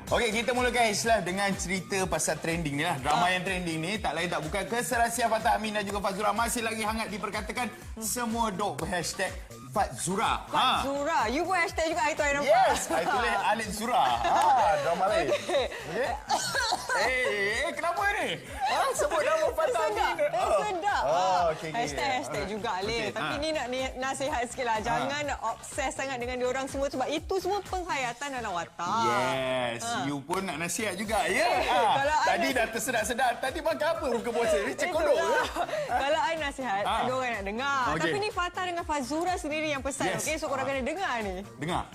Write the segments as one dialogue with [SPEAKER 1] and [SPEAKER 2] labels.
[SPEAKER 1] Okey, kita mulakan Islah dengan cerita pasal trending ni lah. Drama yang trending ni tak lain tak bukan keserasian Fatah Amin dan juga Fazura masih lagi hangat diperkatakan. Semua dok berhashtag Fazura.
[SPEAKER 2] Fazura. You pun hashtag juga itu, I nampak.
[SPEAKER 1] Yes, I tulis Alif Zura. Drama lain. Okay. Kenapa ni? Sebut nama Fatah Amin.
[SPEAKER 2] Sedap.
[SPEAKER 1] Okay.
[SPEAKER 2] Hashtag juga, Alif. Tapi ni nak nasihat sikit lah. Jangan obses sangat dengan diorang semua sebab itu semua penghayatan dalam watak.
[SPEAKER 1] Yes. You pun nak nasihat juga, ya? Tadi dah tersedak-sedak. Tadi makan apa buka puasa? Ni cek kodok ke?
[SPEAKER 2] Kalau I nasihat, diorang nak dengar. Tapi ni Fatah dengan Fazura sendiri yang pesan. Okey, so korang kena dengar ni.
[SPEAKER 1] Dengar.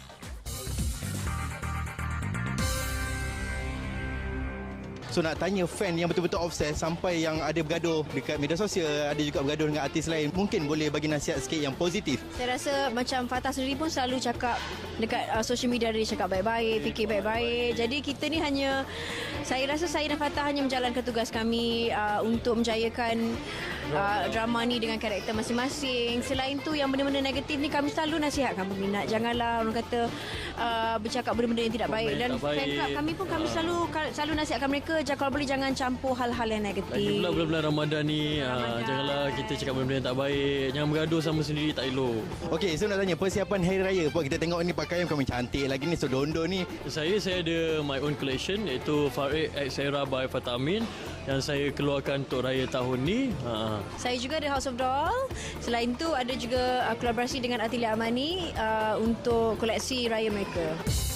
[SPEAKER 3] So nak tanya fan yang betul-betul obses sampai yang ada bergaduh dekat media sosial, ada juga bergaduh dengan artis lain. Mungkin boleh bagi nasihat sikit yang positif.
[SPEAKER 4] Saya rasa macam Fatah sendiri pun selalu cakap dekat social media dia cakap baik-baik, fikir baik-baik. Jadi kita ni hanya, saya rasa saya dan Fatah hanya menjalankan tugas kami untuk menjayakan drama ni dengan karakter masing-masing. Selain tu yang benda-benda negatif ni kami selalu nasihatkan peminat. Janganlah orang kata bercakap benda-benda yang tidak baik. Dan fan club kami pun kami selalu nasihatkan mereka kalau boleh jangan campur hal-hal yang negatif.
[SPEAKER 5] Lagi pula bulan-bulan Ramadan ni, janganlah kita cakap benda-benda yang tak baik. Jangan bergaduh sama sendiri, tak elok.
[SPEAKER 3] Okey, so nak tanya persiapan Hari Raya. Puan kita tengok ni pakaian kami cantik lagi ni, Sodondo ni.
[SPEAKER 5] Saya ada my own collection iaitu Farid X Era by Fatah Amin yang saya keluarkan untuk raya tahun ni.
[SPEAKER 4] Saya juga ada House of Doll. Selain tu ada juga kolaborasi dengan Atelier Amani untuk koleksi raya mereka.